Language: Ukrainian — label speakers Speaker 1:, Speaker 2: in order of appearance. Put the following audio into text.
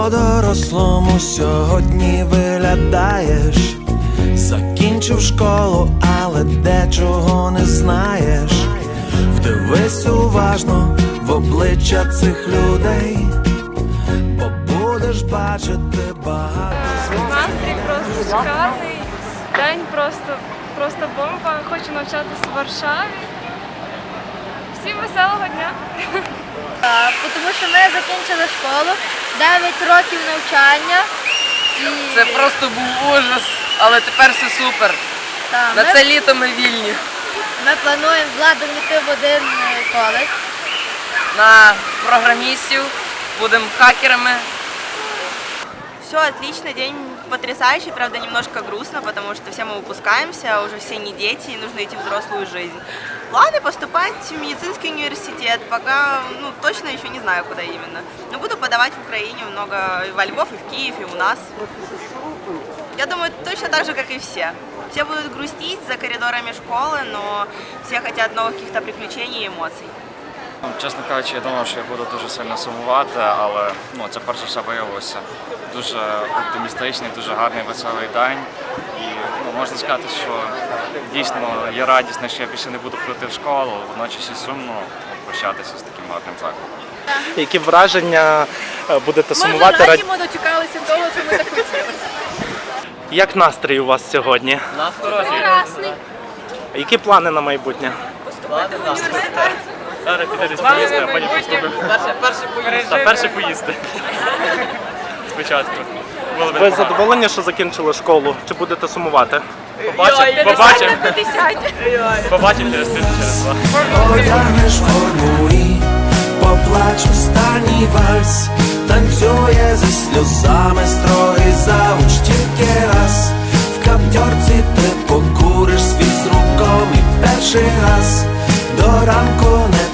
Speaker 1: По-дорослому сьогодні виглядаєш. Закінчив школу, але дечого не знаєш. Вдивись уважно в обличчя цих людей, бо будеш бачити багато звуків.
Speaker 2: Настрій просто шикарний, день просто бомба. Хочу навчатися в Варшаві. Всім веселого дня!
Speaker 3: Тому що ми закінчили школу, 9 років навчання.
Speaker 4: Це просто був ужас, але тепер все супер. На це літо ми вільні.
Speaker 3: Ми плануємо з Владом йти в один коледж.
Speaker 4: На програмістів, будемо хакерами.
Speaker 5: Все отлично, день потрясающий, правда немножко грустно, потому что все мы выпускаемся, уже все не дети и нужно идти в взрослую жизнь. Планы поступать в медицинский университет, пока точно еще не знаю, куда именно. Но буду подавать в Украине много, и во Львов, и в Киев, и у нас. Я думаю, точно так же, как и все. Все будут грустить за коридорами школы, но все хотят новых каких-то приключений и эмоций.
Speaker 6: Чесно кажучи, я думав, що я буду дуже сильно сумувати, але це перш за все виявилося дуже оптимістичний, дуже гарний, веселий день. І можна сказати, що дійсно я радісний, що я більше не буду ходити в школу, водночас і сумно прощатися з таким гарним закладом.
Speaker 7: Які враження будете сумувати?
Speaker 2: Ми вже дочекалися того, що ми так хотіли.
Speaker 7: Як настрій у вас сьогодні?
Speaker 3: Прекрасний.
Speaker 7: Які плани на майбутнє?
Speaker 5: Поступати в університет.
Speaker 7: Зараз піде десь поїсти, а потім поступимо. Перше поїсти. Спочатку. Ви задоволені, що закінчили школу? Чи будете сумувати? Побачимо через тиждень, через два.
Speaker 1: Одягнеш форму і поплач останній вальс. Танцює зі сльозами строгий завуч тільки раз. В каптьорці ти покуриш свій з руком і перший раз до ранку не